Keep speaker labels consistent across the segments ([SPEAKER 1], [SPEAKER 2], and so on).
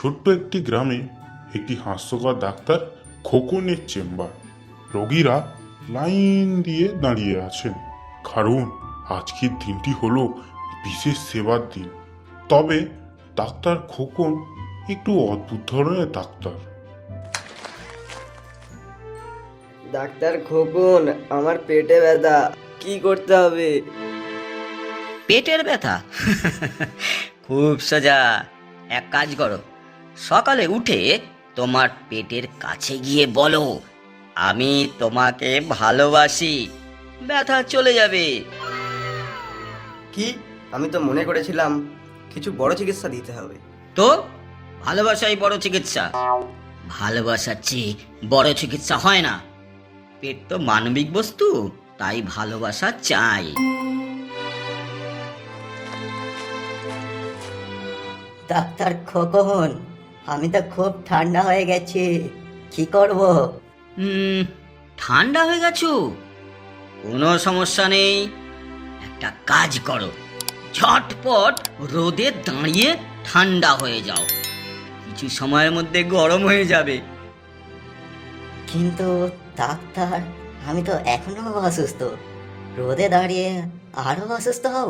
[SPEAKER 1] ছোট্ট একটি গ্রামে একটি হাস্যকর ডাক্তার খোকনের চেম্বার। রোগীরা লাইন দিয়ে দাঁড়িয়ে আছেন, কারণ আজকের দিনটি হলো বিশেষ সেবার দিন। তবে ডাক্তার খোকন একটু অদ্ভুত ধরনের ডাক্তার।
[SPEAKER 2] ডাক্তার খোকন, আমার পেটে ব্যথা, কি করতে হবে?
[SPEAKER 3] পেটের ব্যথা? খুব সোজা। এক কাজ করো, সকালে উঠে তোমার পেটের কাছে গিয়ে বলো, আমি তোমাকে ভালোবাসি, ব্যথা চলে যাবে।
[SPEAKER 2] কি? আমি তো মনে করেছিলাম কিছু বড় চিকিৎসা দিতে হবে।
[SPEAKER 3] তো ভালোবাসাই বড় চিকিৎসা? ভালোবাসার চেয়ে বড় চিকিৎসা হয় না। পেট তো মানবিক বস্তু, তাই ভালোবাসা চাই।
[SPEAKER 4] ডাক্তার খোকন, আমি তো খুব ঠান্ডা হয়ে গেছি, কি করব?
[SPEAKER 3] ঠান্ডা হয়ে গেছো? কোনো সমস্যা নেই, একটা কাজ করো, ঝটপট রোদে দাঁড়িয়ে ঠান্ডা হয়ে যাও, কিছু সময়ের মধ্যে গরম হয়ে যাবে।
[SPEAKER 4] কিন্তু ডাক্তার, আমি তো এখনো অসুস্থ, রোদে দাঁড়িয়ে আরো অসুস্থ হব?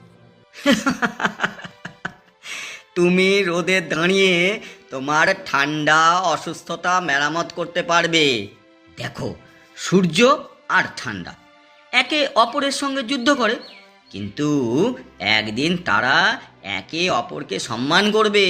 [SPEAKER 3] তুমি রোদে দাঁড়িয়ে তোমার ঠান্ডা অসুস্থতা মেরামত করতে পারবে। দেখো, সূর্য আর ঠান্ডা একে অপরের সঙ্গে যুদ্ধ করে, কিন্তু একদিন তারা একে অপরকে সম্মান করবে।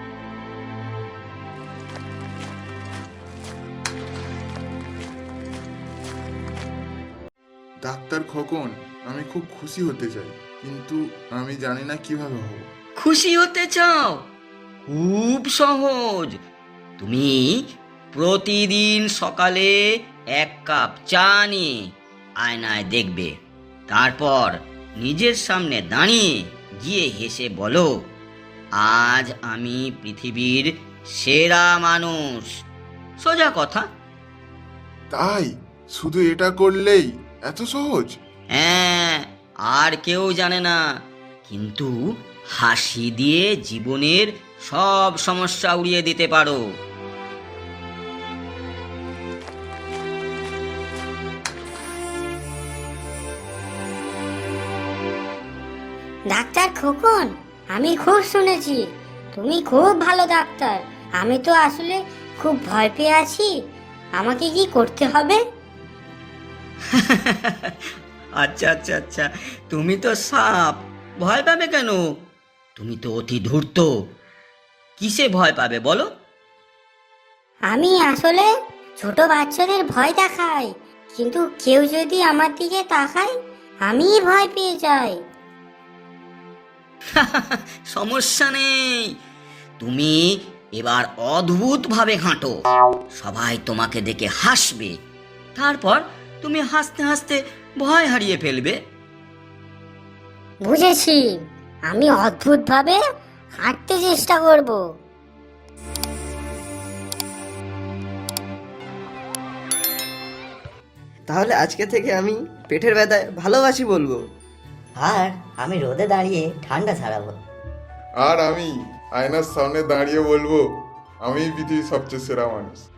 [SPEAKER 5] ডাক্তার খোকন, আমি খুব খুশি হতে চাই, কিন্তু আমি জানি না কিভাবে হব।
[SPEAKER 3] খুশি হতে চাও? খুব সহজ। তুমি প্রতিদিন সকালে এক কাপ চা নিয়ে আয়নায় দেখবে, তারপর নিজের সামনে দাঁড়িয়ে গিয়ে হেসে বলো, আজ আমি পৃথিবীর সেরা মানুষ। সোজা কথা।
[SPEAKER 5] তাই? শুধু এটা করলেই এত সহজ?
[SPEAKER 3] হ্যাঁ, আর কেউ জানে না, কিন্তু হাসি দিয়ে জীবনের সব সমস্যা উড়িয়ে দিতে পারো।
[SPEAKER 6] ডাক্তার খোকন, আমি খুব শুনেছি তুমি খুব ভালো ডাক্তার। আমি তো আসলে খুব ভয় পেয়ে আছি, আমাকে কি করতে হবে?
[SPEAKER 3] আচ্ছা আচ্ছা আচ্ছা, তুমি তো সাপ, ভয় পাবে কেন? তুমি তো অতি ধূর্ত, কিসে ভয় পাবে বলো?
[SPEAKER 6] আমি আসলে ছোট বাচ্চাদের ভয় দেখাই, কিন্তু কেউ যদি আমার দিকে তাকায় আমি ভয় পেয়ে যাই।
[SPEAKER 3] সমস্যা নেই, তুমি এবার অদ্ভুত ভাবে হাঁটো, সবাই তোমাকে দেখে হাসবে, তারপর তুমি হাসতে হাসতে ভয় হারিয়ে ফেলবে।
[SPEAKER 6] বুঝেছি, আমি অদ্ভুতভাবে হাঁটতে চেষ্টা করব।
[SPEAKER 2] তাহলে আজকে থেকে আমি পেটের ব্যথায় ভালোবাসি বলবো।
[SPEAKER 4] আর আমি রোদে দাঁড়িয়ে ঠান্ডা ছাড়াবো।
[SPEAKER 5] আর আমি আয়নার সামনে দাঁড়িয়ে বলবো, আমি পৃথিবীর সবচেয়ে সেরা মানুষ।